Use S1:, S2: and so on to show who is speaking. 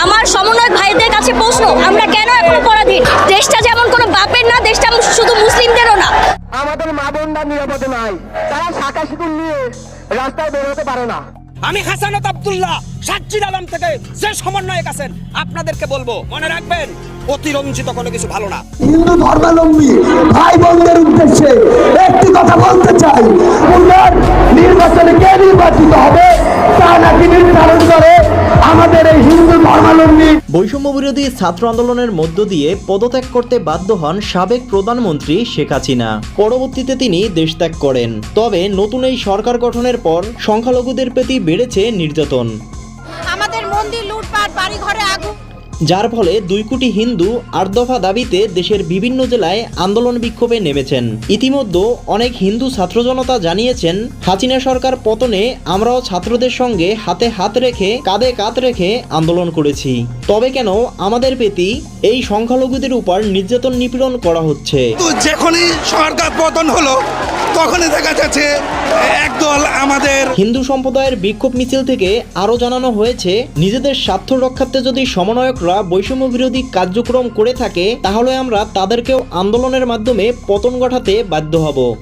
S1: আমার সমন্বয়ক ভাইদের কাছে প্রশ্ন, আমরা কেন এখনো পরাধীন? দেশটা যেমন কোনো বাপের না, দেশটা শুধু মুসলিমদেরও না।
S2: আমাদের মা বোনরা নিরাপদে নাই, তারা শাখা শিকুল নিয়ে রাস্তায় বের হতে পারে না।
S3: আমি হাসানাত আব্দুল্লাহ সাজ্জিদ আলম থেকে যে সমন্বয়ক আছেন আপনাদেরকে বলবো, মনে রাখবেন অতিরঞ্জিত কোনো কিছু ভালো না।
S4: হিন্দু ধর্মাবলম্বী ভাই বোনদের উদ্দেশ্যে একটি কথা বলতে চাই, পুনর নির্বাচনে কে নির্বাচিত হবে তা নাকি নির্ধারণ করে আমাদের এই হিন্দু ধর্মাবলম্বী।
S5: বৈষম্য বিরোধী ছাত্র আন্দোলনের মধ্য দিয়ে পদত্যাগ করতে বাধ্য হন সাবেক প্রধানমন্ত্রী শেখ হাসিনা। পরবর্তীতে তিনি দেশত্যাগ করেন। তবে নতুন এই সরকার গঠনের পর সংখ্যালঘুদের প্রতি বেড়েছে নির্যাতন।
S6: আমাদের মন্দির লুটপাট, বাড়ি ঘরে আগুন,
S5: যার ফলে 2 কোটি হিন্দু 8 দফা দাবিতে দেশের বিভিন্ন জেলায় আন্দোলন বিক্ষোভে নেমেছেন। ইতিমধ্যে অনেক হিন্দু ছাত্র জনতা জানিয়েছেন, হাসিনা সরকার পতনে আমরাও ছাত্রদের সঙ্গে হাতে হাত রেখে কাঁধে কাঁধ রেখে আন্দোলন করেছি। তবে কেন আমাদের প্রতি এই সংখ্যালঘুদের উপর নির্যাতন নিপীড়ন করা হচ্ছে?
S7: যখনই সরকার পতন হলো তখনই দেখা যাচ্ছে একদল আমাদের
S5: হিন্দু সম্প্রদায়ের বিক্ষোভ মিছিল থেকে আরও জানানো হয়েছে, নিজেদের স্বার্থ রক্ষার্থে যদি সমন্বয়করা বৈষম্য বিরোধী কার্যক্রম করে থাকে তাহলে আমরা তাদেরকেও আন্দোলনের মাধ্যমে পতন ঘটাতে বাধ্য হব।